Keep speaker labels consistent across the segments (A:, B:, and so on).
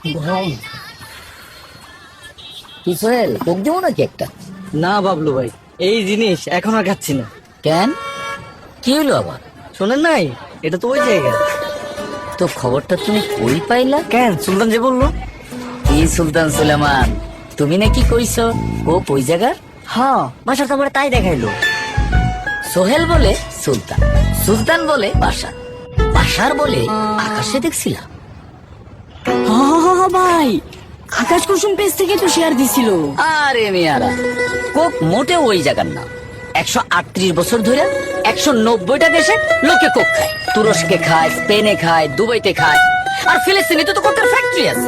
A: ভাই কি সোহেল, কোক দেবো নাকি একটা?
B: না বাবলু ভাই, এই জিনিস এখন আর খাচ্ছি না।
A: কেন, কি হলো আবার?
B: শোনেন নাই, এটা তো ওই জায়গা।
A: তো খবরটা তুমি কই পাইলা?
B: কেন, সুলতান যে বললো।
A: কি সুলতান সুলেমান, তুমি নাকি কইছো ও ওই জায়গার?
B: হ্যাঁ, বাসার তো তাই দেখাইলো।
A: সোহেল বলে সুলতান, সুলতান বলে বাসার, বাসার বলে আকাশে দেখছিলাম।
C: ভাই, আকাশ কুসুম পেজ থেকে তো শেয়ার দিছিল।
A: আরে মেয়ারা, কোক মোটে ওই জায়গার না। 138 বছর ধরে 190টা দেশে লোকে কোক খায়। তুরস্কে খায়, স্পেনে খায়, দুবাইতে খায়, আর ফিলিস্তিনে তো কোকের ফ্যাক্টরি আছে।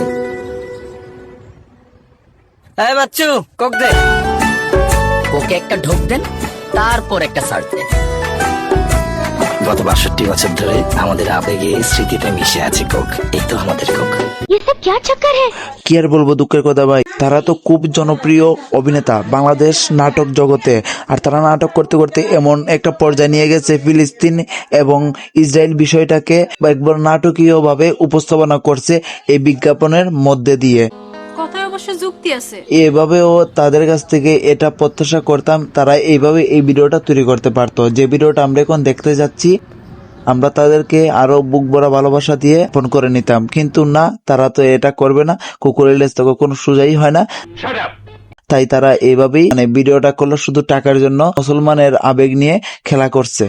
B: এই বাচ্চু, কোক দে।
A: কোকে একটা ঢোক দেন, তারপর একটা সার্চ দেন।
D: গত 62 বছর ধরে আমাদের আবেগে স্মৃতিতে মিশে আছে কোক। এই তো আমাদের কোক।
E: ये सब क्या चक्कर है?
F: কি আর বলবো, দুঃখের কথা ভাই। তারা তো খুব জনপ্রিয় অভিনেতা বাংলাদেশ নাটক জগতে, আর তারা নাটক করতে করতে এমন একটা পর্যায়ে নিয়ে গেছে, ফিলিস্তিন এবং ইসরায়েল বিষয়টাকে একবার নাটকীয় ভাবে উপস্থাপনা করছে এই বিজ্ঞাপনের মধ্যে দিয়ে।
G: কথায় অবশ্য যুক্তি আছে।
F: এভাবেও তাদের কাছ থেকে এটা প্রত্যাশা করতাম, তারা এইভাবে এই ভিডিওটা তৈরি করতে পারতো। যে ভিডিওটা আমরা এখন দেখতে যাচ্ছি, আমরা তাদেরকে আরো বুক ভরা ভালোবাসা দিয়ে ফোন করে নিতাম, কিন্তু না, তারা তো এটা করবে না। কুকুরের লেজ তো কখনো সোজাই হয় না। তাই তারা এইভাবেই ভিডিওটা করলো শুধু টাকার জন্য, মুসলমানের আবেগ নিয়ে খেলা করছে।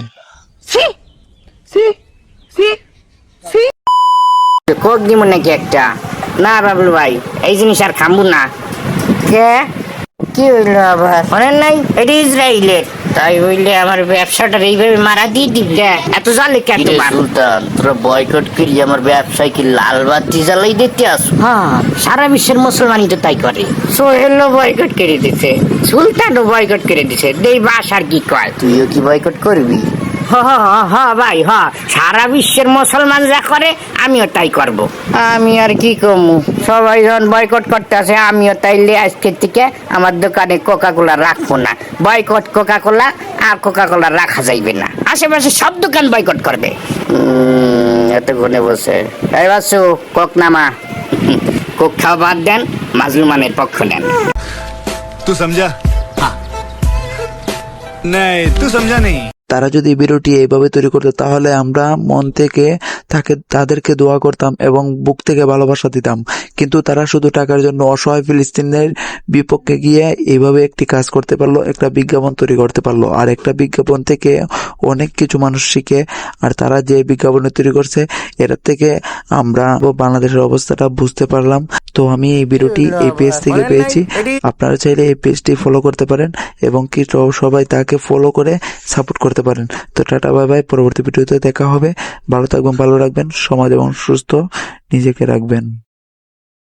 H: কোক দিব নাকি একটা? না বাবলু ভাই, এই জিনিস আর খামবো না। কে কি হইলো আবার? শোনেন নাই, এটা ইসরায়েলের। তাই হইলে আমার ব্যবসাটা এইভাবে মারা দিয়ে দিবি? এত জালে কেন তোমার?
A: সুলতান, তোরা বয়কট করি আমার ব্যবসায় কি লাল বাতি জ্বালাই দিতে আসো?
H: হ্যাঁ, সারা বিশ্বের মুসলমানই তো তাই করে। সোহেলও বয়কট করে দিছে, সুলতানও বয়কট করে দিছে। দেই বাস আর কি কয়?
A: তুইও কি বয়কট করবি?
H: ভাই, সারা বিশ্বের মুসলমান যা করে আমিও তাই করব। আমি আর কি করবো, সবাই যখন বয়কট করতে আসে, আমিও তাইলে আজকের থেকে আমার দোকানে কোকা কোলা রাখবো না। বয়কট কোকা কোলা, আর কোকা কোলা রাখা যাইবে না। আশেপাশে সব দোকান বয়কট করবে। এতক্ষণে বসে এই বাসু, কোক নামা। কোক খাওয়া বাদ দেন, মাজলুমানের পক্ষ নেন।
I: तू समझा? हाँ। नहीं, तू समझा नहीं।
F: তারা যদি ভিডিওটি এইভাবে তৈরি করতো, তাহলে আমরা মন থেকে তাদেরকে দোয়া করতাম এবং বুক থেকে ভালোবাসা দিতাম। কিন্তু তারা শুধু টাকার জন্য অসহায় ফিলিস্তিনের বিপক্ষে গিয়ে এইভাবে একটি কাজ করতে পারলো, একটা বিজ্ঞাপন তৈরি করতে পারলো। আর একটা বিজ্ঞাপন থেকে অনেক কিছু মানুষ শিখে। আর তারা যে বিজ্ঞাপন তৈরি করছে, এটার থেকে আমরা বাংলাদেশের অবস্থাটা বুঝতে পারলাম। তো আমি এই ভিডিওটি এই পেজ থেকে পেয়েছি। আপনারা চাইলে এই পেজটি ফলো করতে পারেন এবং কি সবাই তাকে ফলো করে সাপোর্ট করতে পারেন। তো টাটা, বাই বাই। পরবর্তী ভিডিওতে দেখা হবে। ভালো থাকবেন, ভালো রাখবেন, সমাজ এবং সুস্থ নিজেকে রাখবেন।